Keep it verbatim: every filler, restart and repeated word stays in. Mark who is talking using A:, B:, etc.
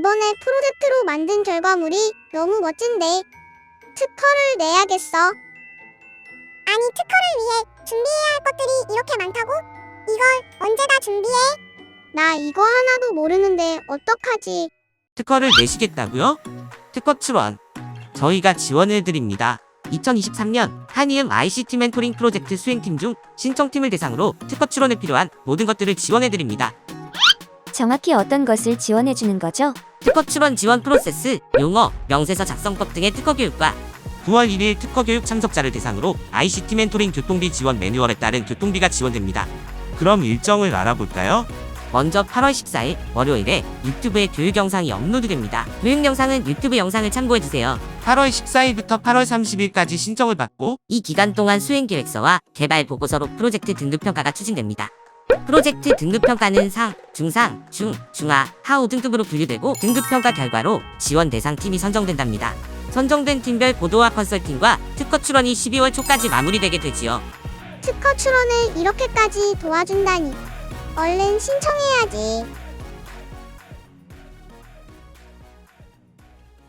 A: 이번에 프로젝트로 만든 결과물이 너무 멋진데 특허를 내야겠어.
B: 아니, 특허를 위해 준비해야 할 것들이 이렇게 많다고? 이걸 언제 다 준비해?
A: 나 이거 하나도 모르는데 어떡하지?
C: 특허를 내시겠다고요? 특허 출원 저희가 지원해드립니다. 이천이십삼 년 한이음 아이씨티 멘토링 프로젝트 수행팀 중 신청팀을 대상으로 특허 출원에 필요한 모든 것들을 지원해드립니다.
D: 정확히 어떤 것을 지원해주는 거죠?
C: 특허 출원 지원 프로세스, 용어, 명세서 작성법 등의 특허 교육과 구월 일일 특허 교육 참석자를 대상으로 아이씨티 멘토링 교통비 지원 매뉴얼에 따른 교통비가 지원됩니다. 그럼 일정을 알아볼까요? 먼저 팔월 십사일 월요일에 유튜브에 교육 영상이 업로드됩니다. 교육 영상은 유튜브 영상을 참고해주세요. 팔월 십사일부터 팔월 삼십일까지 신청을 받고 이 기간 동안 수행계획서와 개발 보고서로 프로젝트 등급평가가 추진됩니다. 프로젝트 등급평가는 상, 중상, 중, 중하, 하우 등급으로 분류되고 등급평가 결과로 지원 대상 팀이 선정된답니다. 선정된 팀별 보도와 컨설팅과 특허 출원이 십이월 초까지 마무리되게 되지요.
A: 특허 출원을 이렇게까지 도와준다니 얼른 신청해야지.